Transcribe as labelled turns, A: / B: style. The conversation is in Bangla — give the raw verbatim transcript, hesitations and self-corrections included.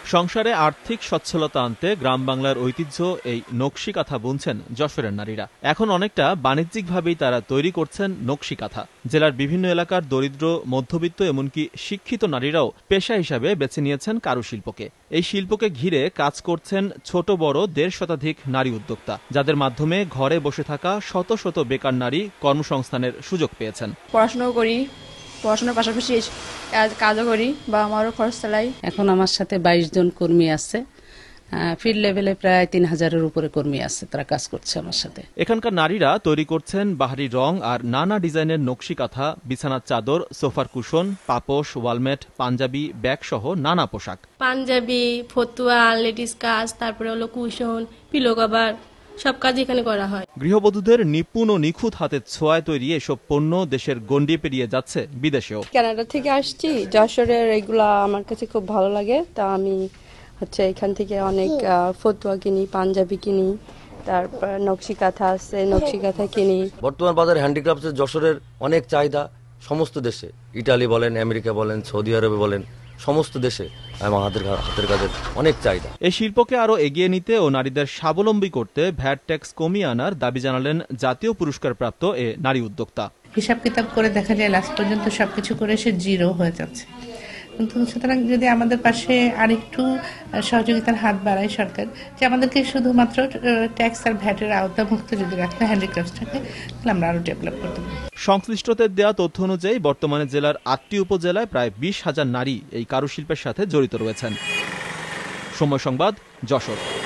A: সংসারে আর্থিক সচ্ছলতা আনতে গ্রাম বাংলার ঐতিহ্য এই নকশি কাঁথা বুনছেন যশোরের নারীরা। এখন অনেকটা বাণিজ্যিকভাবেই তারা তৈরি করছেন নকশি কাঁথা। জেলার বিভিন্ন এলাকার দরিদ্র, মধ্যবিত্ত এমনকি শিক্ষিত নারীরাও পেশা হিসাবে বেছে নিয়েছেন কারুশিল্পকে। এই শিল্পকে ঘিরে কাজ করছেন ছোট বড় দেড় শতাধিক নারী উদ্যোক্তা, যাদের মাধ্যমে ঘরে বসে থাকা শত শত বেকার নারী কর্মসংস্থানের সুযোগ পেয়েছেন।
B: পড়াশোনাও করি, পড়াশোনার পাশাপাশি কাজও করি বা আমারও খরচ চালাই।
C: এখন আমার সাথে বাইশ জন কর্মী আছে, ফিল্ড লেভেলে প্রায় তিন হাজারের উপরে কর্মী আছে, তারা কাজ করছে আমার সাথে।
A: এখানকার নারীরা তৈরি করছেন বাহারি রং আর নানা ডিজাইনের নকশি কাঁথা, বিছানার চাদর, সোফার কুশন, পাপোশ, ওয়ালমেট, পাঞ্জাবি, ব্যাগ সহ নানা পোশাক।
D: পাঞ্জাবি, ফতুয়া, লেডিস কাজ, তারপরে হলো কুশন, পিলো কভার, সব কাজ এখানে করা হয়।
A: গৃহবধূদের নিপুণ ও নিখুঁত হাতের ছোঁয়ায় তৈরি এসব পণ্য দেশের গণ্ডি পেরিয়ে যাচ্ছে বিদেশেও।
E: কানাডা থেকে আসছি, যশোরের এগুলা আমার কাছে খুব ভালো লাগে, তা আমি হচ্ছে এখান থেকে অনেক ফতুয়া কিনি, পাঞ্জাবি কিনি, তারপর নকশি কাঁথা আছে, নকশি কাঁথা কিনি।
F: বর্তমান বাজারে হ্যান্ডিক্রাফটের যশোরের অনেক চাহিদা সমস্ত দেশে, ইটালি বলেন, আমেরিকা বলেন, সৌদি আরবে বলেন, সমস্ত দেশে আমাদের হাতের কাজের অনেক চাহিদা।
A: এই শিল্পকে আরো এগিয়ে নিতে ও নারীদের স্বাবলম্বী করতে ভ্যাট ট্যাক্স কমিয়ে আনার দাবি জানালেন জাতীয় পুরস্কারপ্রাপ্ত এ নারী উদ্যোক্তা।
G: হিসাব কিতাব করে দেখা যায় লাস্ট পর্যন্ত সবকিছু করে সে জিরো হয়ে যাচ্ছে। কিন্তু সুতরাং যদি আমাদের পাশে আরেকটু সহযোগিতার হাত বাড়ায় সরকার, যে আমাদেরকে শুধুমাত্র ট্যাক্স আর ভ্যাটের আওতামুক্ত যদি রাখতে হ্যান্ডিক্রাফটসটাকে, তাহলে আমরা আরো ডেভেলপ করতে পারি।
A: সংশ্লিষ্টদের দেয়া তথ্য অনুযায়ী বর্তমানে জেলার আটটি উপজেলায় প্রায় বিশ হাজার নারী এই কারুশিল্পের সাথে জড়িত রয়েছেন। সময় সংবাদ, যশোর।